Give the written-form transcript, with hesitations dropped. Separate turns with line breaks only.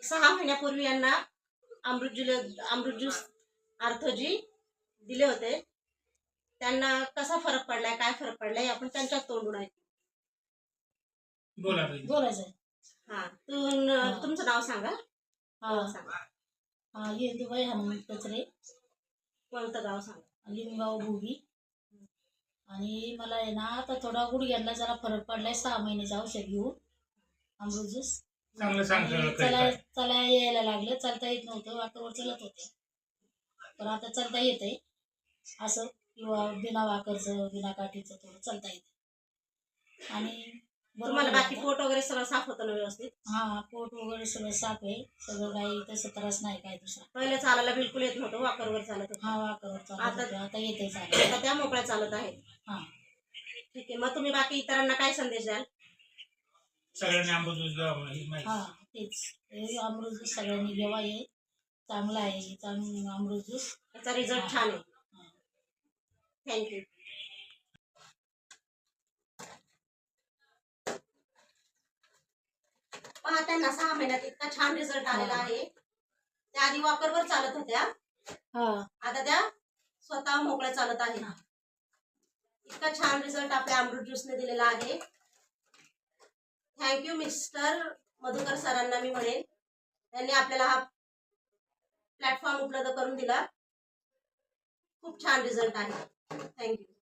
6 महिन्यापूर्वी यांना अमृत ज्यूस आर्थोजी दिले होते. त्यांना कसा फरक पडलाय, काय फरक पडलाय आपण त्यांच्याच तोंडून ऐकू.
बोलायचं.
हा, तुमचं नाव सांगा.
येदुबाई हनुमंत कचरे.
कोणतं गाव सांगा.
लिंबगाव भोगी. आणि मला आहे ना आता थोडा गुडघ्याला जरा फरक पडलाय. 6 महिन्याचं औषध घेऊन अमृत ज्यूस चला यायला लागलं. चालता येत नव्हतं, वाकरवर चलत होते, पण आता चालता येतंय असं, किंवा बिना वाकरचं बिना काठीचं थोडं चालता येतं. आणि
तुम्हाला बाकी पोट वगैरे सगळं साफ होतं ना व्यवस्थित?
हा, पोट वगैरे सगळं साफ आहे. सगळं काही तसं त्रास नाही काय दुसरा.
पहिले चालायला बिलकुल येत नव्हतं, वाकरवर चालत होतं.
हा, वाकरवर चालत होते. आता येते चालत.
आता त्या मोकळ्या चालत आहेत.
हा,
ठीक आहे. मग तुम्ही बाकी इतरांना काय संदेश द्याल?
सगळ्यांनी अमृत ज्यूस घ्यावा.
हा, तेच अमृत ज्यूस सगळ्यांनी घ्यावा. आहे चांगला आहे, चांगला अमृत ज्यूस.
त्याचा रिझल्ट छान आहे. थँक्यू. पहा, त्यांना 6 महिन्यात इतका छान रिझल्ट आलेला आहे. त्या आधी वॉकरवर चालत होत्या, आता त्या स्वतः मोकळ्या चालत आहेत. इतका छान रिझल्ट आपल्या अमृत ज्यूसने दिलेला आहे. थँक्यू मिस्टर मधुकर सरांना मी म्हणेन, त्यांनी आपल्याला हा प्लॅटफॉर्म उपलब्ध करून दिला. खूप छान रिझल्ट आहे. थँक्यू.